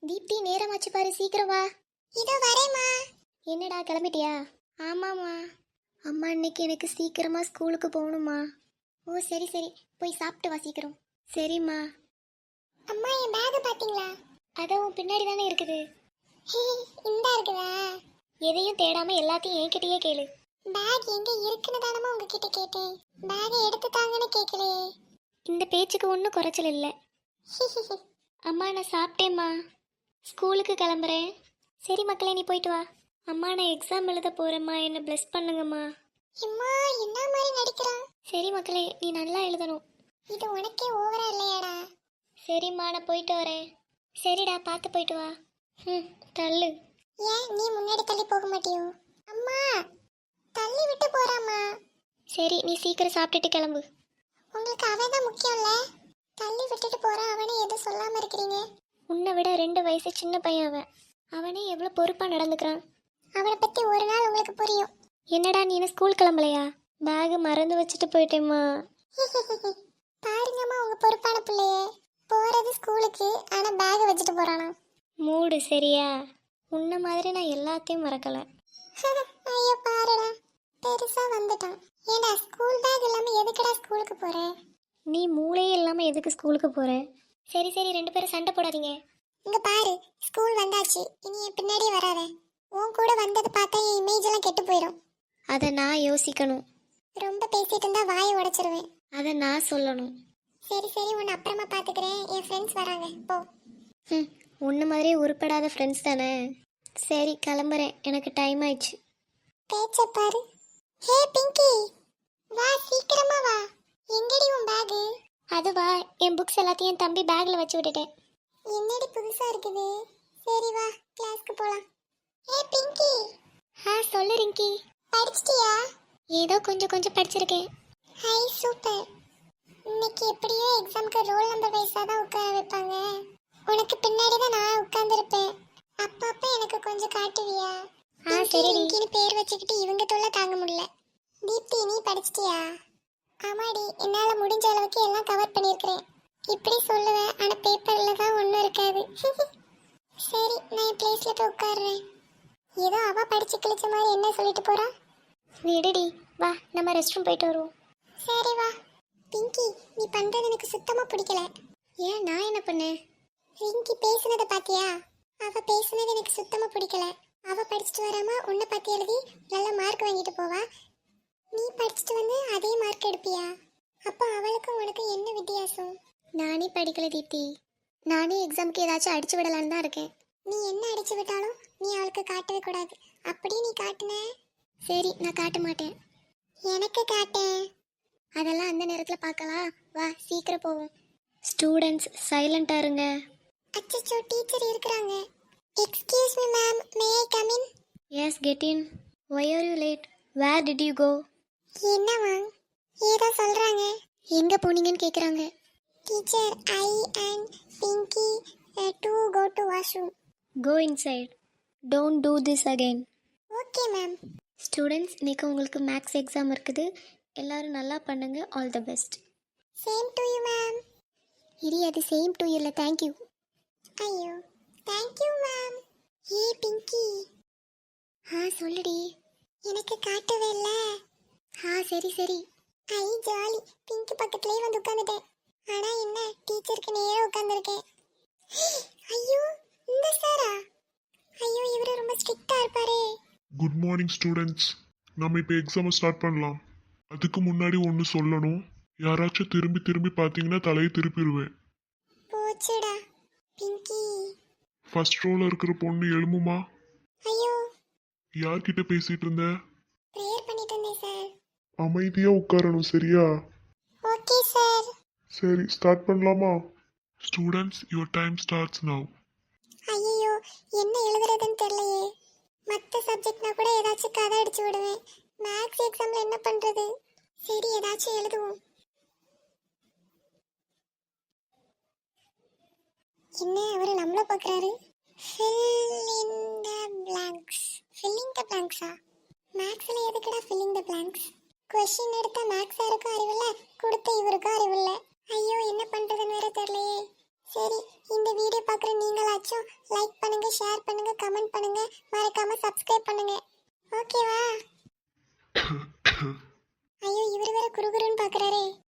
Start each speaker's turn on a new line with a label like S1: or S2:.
S1: தீப்தி நேரமாச்சு பாரு, சீக்கிரம் வா. இதோ வரேம்மா. என்னடா கிளம்பிட்டியா? ஆமாம்மா. அம்மா இன்னைக்கு எனக்கு சீக்கிரமா ஸ்கூலுக்கு போகணுமா. ஓ சரி சரி, போய் சாப்பிட்டு வா சீக்கிரம். சரிம்மா. அம்மா என் பேக் பாத்தீங்களா? அதுவும் பின்னாடி தானே இருக்குது. இந்தா இருக்குதா? எதையும் தேடாம எல்லாத்தையும் என்கிட்டயே கேளு. பேக் எங்க இருக்குன்னு தானமா உங்ககிட்ட கேட்டேன். பேக் எடுத்து தாங்கன்னு கேட்கலையே. இந்த பேச்சுக்கு ஒன்றும் குறைச்சல் இல்லை. அம்மா நான் சாப்பிட்டேம்மா, ஸ்கூலுக்கு கிளம்புறேன். சரி மக்களே, நீ போயிட்டு வா. அம்மா நான் எக்ஸாம் எழுத போறேம்மா, என்ன பிளஸ் பண்ணுங்கம்மா. அம்மா என்ன மாதிரி நடிக்கிறான். சரி மக்களே, நீ நல்லா எழுதணும். இது உனக்கே ஓவரா இல்லையாடா? சரிம்மா நான் போயிட்டு வரேன். சரிடா பார்த்து போயிட்டு வா. தள்ளு. ஏன் நீ முன்னாடி தள்ளி போக மாட்டியோ? அம்மா தள்ளி விட்டு போறாம்மா. சரி நீ சீக்கிரம் சாப்பிட்டுட்டு கிளம்பு. உங்களுக்கு அவன் தான் முக்கியம்ல, தள்ளி விட்டுட்டு போறான். அவனே எதுவும் சொல்லாம இருக்கிறீங்க. உன்னை விட 2 வயசு சின்ன பையன் அவன். அவனே எவ்வளோ பொறுப்பாக நடந்துக்கிறான். அவனை பற்றி ஒரு நாள் உங்களுக்கு புரியும். என்னடா நீ என்ன ஸ்கூல் கிளம்பலையா? பேகு மறந்து வச்சுட்டு போயிட்டேம்மா. பாருங்கம்மா உங்க பொறுப்பான பிள்ளையே, போறது ஸ்கூலுக்கு ஆனா பேக் வச்சுட்டு போறானா. மூடு சரியா? உன்ன மாதிரி நான் எல்லாத்தையும் மறக்கல. ஐயோ பாருடா, பெருசா வந்துட்டான். ஏண்டா ஸ்கூல் பேக் இல்லாம எதுக்குடா ஸ்கூலுக்கு போற? நீ மூளையே இல்லாம எதுக்கு ஸ்கூலுக்கு போற? சரி சரி 2 பேரும் சண்டை போடாதீங்க. இங்க பாரு, ஸ்கூல் வந்தாச்சு, இனி என் பின்னாடியே வராத. உன் கூட வந்தது பார்த்தா என் இமேஜ் எல்லாம் கெட்டு போயிடும். அதை நான் யோசிக்கணும். ரொம்ப பேசிட்டு இருந்தா வாயை உடைச்சிருவேன். அதை நான் சொல்லணும். சரி சரி உன்னை அப்புறமா பாத்துக்கிறேன், என் ஃப்ரெண்ட்ஸ் வராங்க போ. உன்ன மாதிரியே உருப்படாத ஃப்ரெண்ட்ஸ் தானே. சரி கிளம்புறேன், எனக்கு டைம் ஆயிடுச்சு. பேச்ச பாரு. ஹே பிங்கி, வா சீக்கிரமா வா. எங்கடி உன் பேகு? அதுவா, என் புக்ஸ் எல்லாத்தையும் என் தம்பி பேக்ல வச்சு விட்டுட்டேன். என்னடி புதுசா இருக்குது. சரி வா கிளாஸ்க்கு போலாம். ஏ பிங்கி. சொல்லு ரிங்கி. படிச்சிட்டியா? ஏதோ கொஞ்சம் கொஞ்சம் படிச்சிருக்கேன். Hi super. இன்னைக்கு எப்படியோ எக்ஸாம்க்கு ரோல் நம்பர் வைஸா தான் உட்கார வைப்பாங்க. உனக்கு பின்னாடி தான் நான் உட்கார்ந்திருப்பேன். அப்பப்ப எனக்கு கொஞ்சம் காட்டுவியா? சரி ரிங்கின்னு பேர் வச்சுக்கிட்டு இவங்க தொல்லை தாங்க முடியல. தீப்தி நீ படிச்சிட்டியா? ஆமாடி, என்னால முடிஞ்ச அளவுக்கு எல்லாம் கவர் பண்ணியிருக்கிறேன். இப்படி சொல்லுவேன், ஆனா பேப்பர்ல தான் ஒன்றும் இருக்காது. சரி நான் என் பிளேஸ்ல போய் உட்காடுறேன். ஏதோ அவ படிச்சு கிழிச்ச மாதிரி என்ன சொல்லிட்டு போறா. விடுடி, வா நம்ம ரெஸ்ட் ரூம் போயிட்டு வருவோம். சரி வா. பிங்கி நீ பண்றது எனக்கு சுத்தமா பிடிக்கல. ஏன் நான் என்ன பண்ணேன்? ரிங்கி பேசுனதை பாத்தியா? அவ பேசுனது எனக்கு சுத்தமா பிடிக்கல. அவ படிச்சுட்டு வராம உன்னை பத்தி எழுதி நல்ல மார்க் வாங்கிட்டு போவா. நீ படிச்சுட்டு வந்து அதே மார்க் எடுப்பியா? அப்போ அவளுக்கும் உனக்கு என்ன வித்தியாசம்? நானே படிக்கல தீப்தி, நானே எக்ஸாமுக்கு ஏதாச்சும் அடிச்சு விடலான்னு தான் இருக்கேன். நீ என்ன அடிச்சு விட்டாலும் நீ அவளுக்கு காட்டவே கூடாது. அப்படியே நீ காட்டுன. சரி நான் காட்ட மாட்டேன். எனக்கு காட்டேன். அதெல்லாம் அந்த நேரத்தில் பார்க்கலாம். வா சீக்கிரம் போவோம். ஸ்டூடெண்ட்ஸ் சைலண்டாக இருங்க. அச்சச்சோ டீச்சர் இருக்கிறாங்க. Excuse me ma'am, may I come in? Yes get in. Why are you late? Where did you go? என்ன மேம் ஏதோ சொல்கிறாங்க. எங்கே போனீங்கன்னு கேட்குறாங்க. Teacher, I and Pinky to go to washroom. Go inside. Don't do this again. Okay, ma'am. Students, இன்னைக்கு உங்களுக்கு maths exam இருக்குது. எல்லாரும் நல்லா பண்ணுங்க. All the best. Same to you, ma'am. இடி அது சேம் டு யூ இல்லை, தேங்க்யூ. ஐயோ தேங்க்யூ மேம். ஏ பிங்கி. சொல்லுடி. எனக்கு காட்டவே இல்லை. சரி சரி. ஐ ஜாலி, பிங்கி பக்கத்துலேயே வந்து உட்காந்துட்டேன். ஆனா என்ன டீச்சருக்கு நேரா உட்கார்ந்திருக்கேன். ஐயோ இந்த சாரா? ஐயோ இவரு ரொம்ப ஸ்ட்ரிக்ட்டா இருப்பாரே.
S2: Good morning students. நம்ம இப்போ எக்ஸாமை ஸ்டார்ட் பண்ணலாம். அதுக்கு முன்னாடி ஒன்று சொல்லணும். யாராச்சும் திரும்பி திரும்பி பார்த்தீங்கன்னா தலையை திருப்பிடுவேன்.
S1: போச்சுடா பிங்கி.
S2: ஃபர்ஸ்ட் ரோல இருக்கிற பொண்ணு எழுமுமா.
S1: ஐயோ
S2: யார்கிட்ட பேசிட்டு இருந்த?
S1: ப்ரேயர் பண்ணிட்டு இருந்தேன் சார்.
S2: அமைதியா உட்காரணும் சரியா?
S1: Okay sir.
S2: சரி ஸ்டார்ட் பண்ணலாமா? Students your time starts now.
S1: ஐயோ என்ன எழுதுறதுன்னு தெரியலையே. மற்ற சப்ஜெக்ட்னா கூட ஏதாச்சும் கதை அடிச்சு விடுவேன். மேக்ஸ் எக்ஸாம்ல என்ன பண்றது? சரி ஏதாச்சும் எழுதுவோம். என்ன அவரு நம்மள பார்க்கறாரு? fill in the blanks. filling the blanks-ஆ? மேக்ஸ்ல எதுக்குடா filling the blanks? क्वेश्चन எடுத்த மேக்ஸ் சாருக்கு அறிவில்ல, கொடுத்த இவருக்கு அறிவில்ல. ஐயோ என்ன பண்றதுன்னு வேற தெரியலையே. சரி, இந்த வீடியோ பார்க்குற நீங்களாச்சும் லைக் பண்ணுங்க, ஷேர் பண்ணுங்க, கமெண்ட் பண்ணுங்க, மறக்காம சப்ஸ்கிரைப் பண்ணுங்க. ஓகேவா? ஐயோ, இவர் வேற குறுகுறுன்னு பார்க்குறாரே.